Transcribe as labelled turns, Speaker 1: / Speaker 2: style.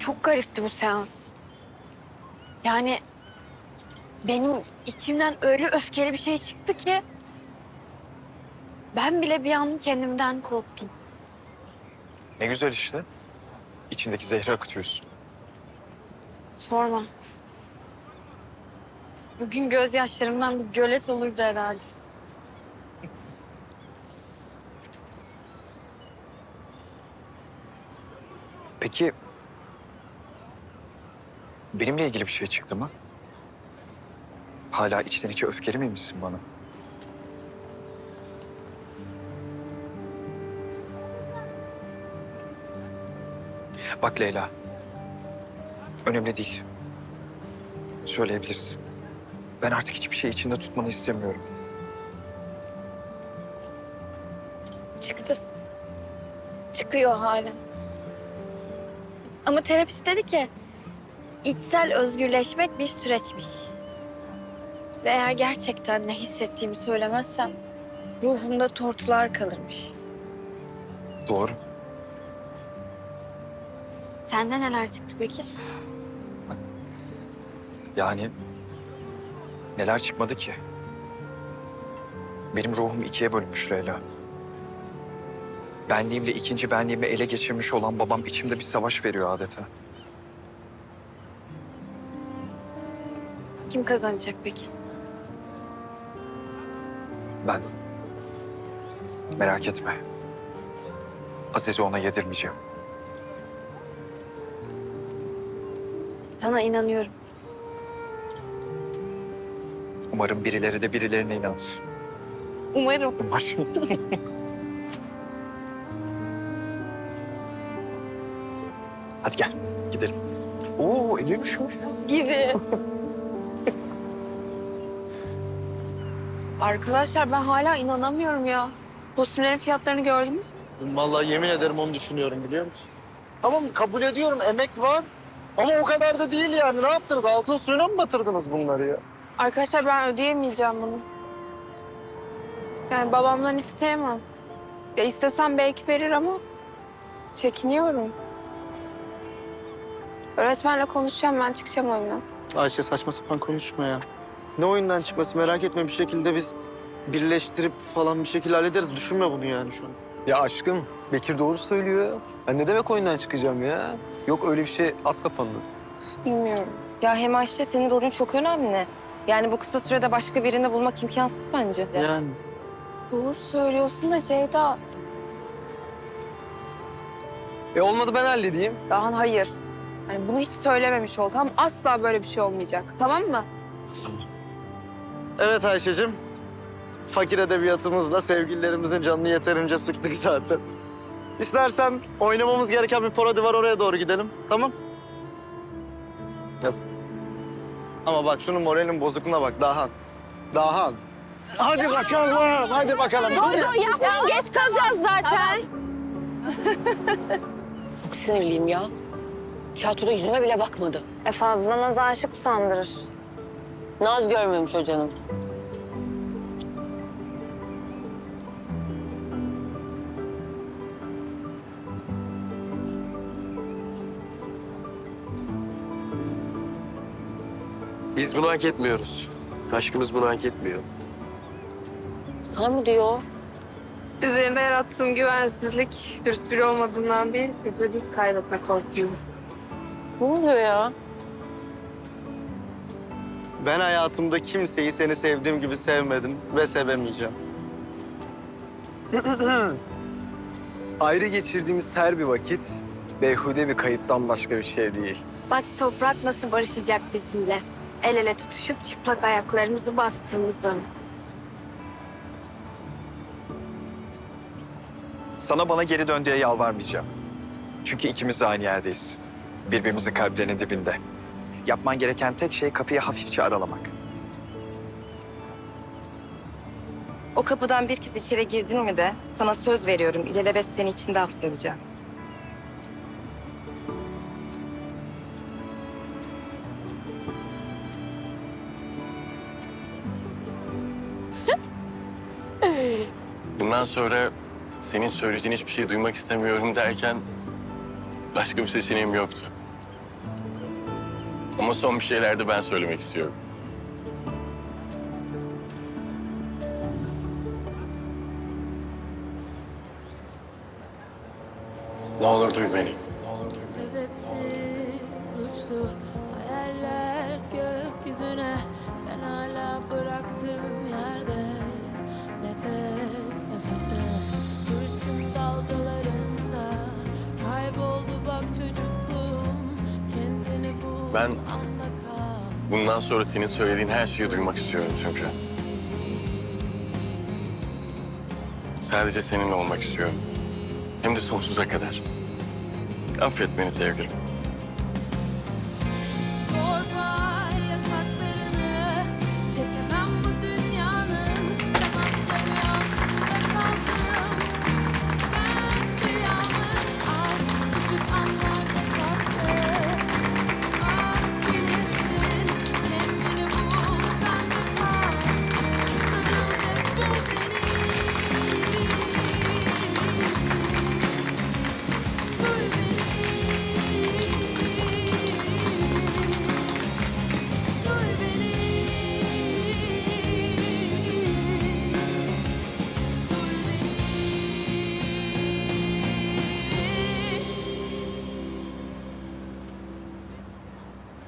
Speaker 1: Çok garipti bu seans. Yani benim içimden öyle öfkeli bir şey çıktı ki ben bile bir an kendimden korktum.
Speaker 2: Ne güzel işte. İçindeki zehri akıtıyorsun.
Speaker 1: Sorma. Bugün gözyaşlarımdan bir gölet olurdu herhalde.
Speaker 2: Peki benimle ilgili bir şey çıktı mı? Hala içten içe öfkeli miymişsin bana? Bak Leyla. Önemli değil. Söyleyebilirsin. Ben artık hiçbir şey içinde tutmanı istemiyorum.
Speaker 1: Çıktı. Çıkıyor hala. Ama terapist dedi ki içsel özgürleşmek bir süreçmiş. Ve eğer gerçekten ne hissettiğimi söylemezsem ruhumda tortular kalırmış.
Speaker 2: Doğru.
Speaker 1: Sende neler çıktı peki?
Speaker 2: Yani neler çıkmadı ki? Benim ruhum ikiye bölünmüş Leyla. Benliğimle ikinci benliğimi ele geçirmiş olan babam içimde bir savaş veriyor adeta.
Speaker 1: Kim kazanacak peki?
Speaker 2: Ben. Merak etme. Aziz'i ona yedirmeyeceğim.
Speaker 1: Sana inanıyorum.
Speaker 2: Umarım birileri de birilerine inanır.
Speaker 1: Umarım.
Speaker 2: Umarım. Hadi gel, gidelim. Oo, eli düşmüş.
Speaker 1: Gibi. Arkadaşlar ben hala inanamıyorum ya. Kostümlerin fiyatlarını gördünüz mü?
Speaker 3: Kızım vallahi yemin ederim onu düşünüyorum biliyor musun? Tamam kabul ediyorum emek var ama o kadar da değil yani. Ne yaptınız? Altın suyuna mı batırdınız bunları ya?
Speaker 1: Arkadaşlar ben ödeyemeyeceğim bunu. Yani babamdan isteyemem. Ya istesem belki verir ama çekiniyorum. Öğretmenle konuşacağım, ben çıkacağım oyundan.
Speaker 3: Ayşe saçma sapan konuşma ya. Ne oyundan çıkması merak etme, bir şekilde biz birleştirip falan bir şekilde hallederiz. Düşünme bunu yani şu an.
Speaker 4: Ya aşkım, Bekir doğru söylüyor. Ben ne demek oyundan çıkacağım ya? Yok öyle bir şey, at kafanı.
Speaker 1: Bilmiyorum.
Speaker 5: Ya hem Ayşe senin rolün çok önemli. Yani bu kısa sürede başka birini bulmak imkansız bence.
Speaker 3: Yani
Speaker 1: Doğru söylüyorsun da Ceyda.
Speaker 4: Olmadı ben halledeyim.
Speaker 1: Daha hayır. Hani bunu hiç söylememiş ol, tamam mı? Asla böyle bir şey olmayacak, tamam mı?
Speaker 3: evet Ayşe'cim. Fakir edebiyatımızla sevgililerimizin canını yeterince sıktık zaten. İstersen oynamamız gereken bir parodi var, oraya doğru gidelim. Tamam?
Speaker 4: Hadi.
Speaker 3: Ama bak şunun moralinin bozukluğuna bak Dahan. Dahan. Hadi bakalım, hadi bakalım.
Speaker 5: Yapmayın, geç kalacağız zaten.
Speaker 6: Çok sinirliyim ya. Tiyatroda yüzüme bile bakmadı.
Speaker 5: Fazla naz aşık usandırır.
Speaker 6: Naz görmemiş o canım.
Speaker 7: Biz bunu hak etmiyoruz. Aşkımız bunu hak etmiyor.
Speaker 6: Sana mı diyor?
Speaker 1: Üzerinde yarattığım güvensizlik dürüst biri olmadığından değil, düz kaybetme korkuyorum.
Speaker 6: Ne oluyor ya?
Speaker 3: Ben hayatımda kimseyi seni sevdiğim gibi sevmedim ve sevemeyeceğim.
Speaker 4: Ayrı geçirdiğimiz her bir vakit beyhude bir kayıptan başka bir şey değil.
Speaker 1: Bak toprak nasıl barışacak bizimle. El ele tutuşup çıplak ayaklarımızı bastığımızın.
Speaker 2: Sana bana geri dön diye yalvarmayacağım. Çünkü ikimiz de aynı yerdeyiz. Birbirimizin kalplerinin dibinde. Yapman gereken tek şey kapıyı hafifçe aralamak.
Speaker 5: O kapıdan bir kez içeri girdin mi de sana söz veriyorum ilelebet seni içinde hapsedeceğim.
Speaker 7: Bundan sonra senin söyleyeceğin hiçbir şey duymak istemiyorum derken başka bir seçeneğim yoktu. Ama son bir şeyler de ben söylemek istiyorum. Ne olur duy beni.
Speaker 8: Sebepsiz uçtu hayaller gökyüzüne. Ben hala bıraktığın yerde nefes nefese. Hırçın dalgalarında kayboldu bak çocukluğum. Kendini bul
Speaker 7: Ben-
Speaker 8: anda kal.
Speaker 7: Bundan sonra senin söylediğin her şeyi duymak istiyorum çünkü. Sadece seninle olmak istiyorum. Hem de sonsuza kadar. Affet beni sevgilim.